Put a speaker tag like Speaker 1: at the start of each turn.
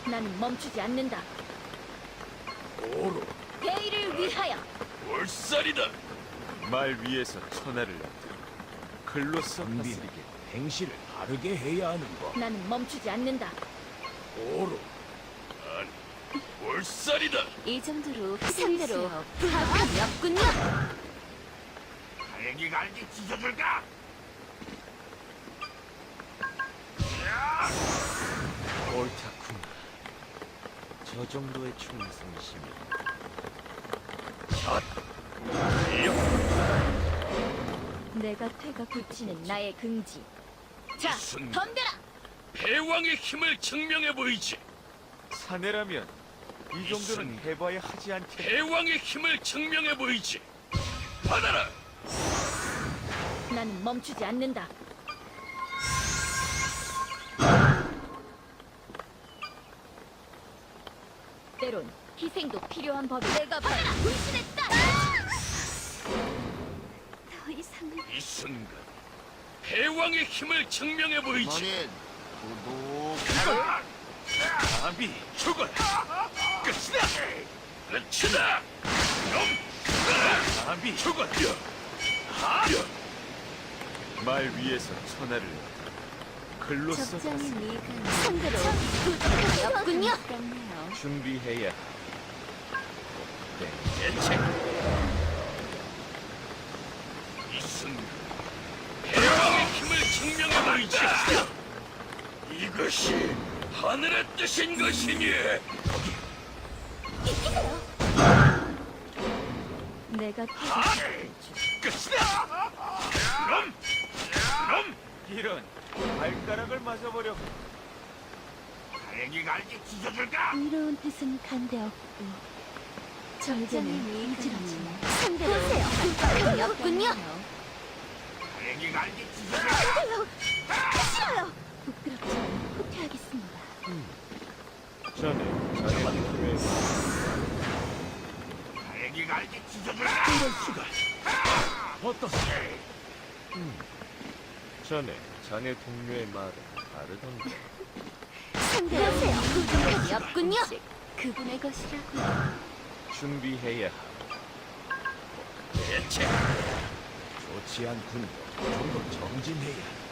Speaker 1: 나는 멈추지 않는다.
Speaker 2: 오로
Speaker 1: 대의를 위하여.
Speaker 2: 월살이다. 말 위에서 천하를 놔두고 글로써
Speaker 3: 은비에게
Speaker 2: 다스리게.
Speaker 3: 행실을 바르게 해야 하는 법.
Speaker 1: 나는 멈추지 않는다.
Speaker 2: 오로 아니 월살이다.
Speaker 1: 이 정도로 상대로 부합감이 없군요.
Speaker 2: 다행히 갈기 찢어줄까? 옳다구나. 저 정도의 충성심이.
Speaker 1: 내가 퇴가 굳히는 나의 긍지. 자,
Speaker 2: 순간.
Speaker 1: 덤벼라.
Speaker 2: 패왕의 힘을 증명해 보이지. 사내라면 이 정도는 해봐야 하지 않겠. 패왕의 힘을 증명해 보이지. 받아라.
Speaker 1: 나는 멈추지 않는다. 때론 희생도 필요한 법이. 내가 받아라. 불신했다. 더 이상은
Speaker 2: 이 순간 패왕의 힘을 증명해 보이지.
Speaker 4: 구독하라.
Speaker 2: 감히 죽어라. 끝이다. 끝이다. 감히 죽어라. 말 위에서 천하를 글로써
Speaker 1: 적장이
Speaker 2: 다스리게.
Speaker 1: 미간 상대로 부탁함이 없군요.
Speaker 2: 준비해야 해. 대책. 이 순간 패왕의 힘을 증명해 보이지. 이것이 하늘의 뜻인 것이니.
Speaker 1: 내가
Speaker 2: 끝이다. 그럼 이런 발가락을 맞아버려. 다행히 갈기 찢어줄까?
Speaker 1: 이로운 뜻은 간대 없고 정제는 이지라지만 상대로 부탁함이 없군요.
Speaker 2: 다행히 갈기 찢어줄까?
Speaker 1: 싫어요. 부끄럽지만 후퇴하겠습니다.
Speaker 2: 자네 왜 다행히 갈기 찢어줄까?
Speaker 3: 이럴 수가. 어떠세?
Speaker 2: 자네 동료의 말은 다르던데.
Speaker 1: 상대로 부탁함이 없군요. 그분의 것이라고.
Speaker 2: 준비해야 하고. 대책.
Speaker 3: 좋지 않군. 좀 더 정진해야.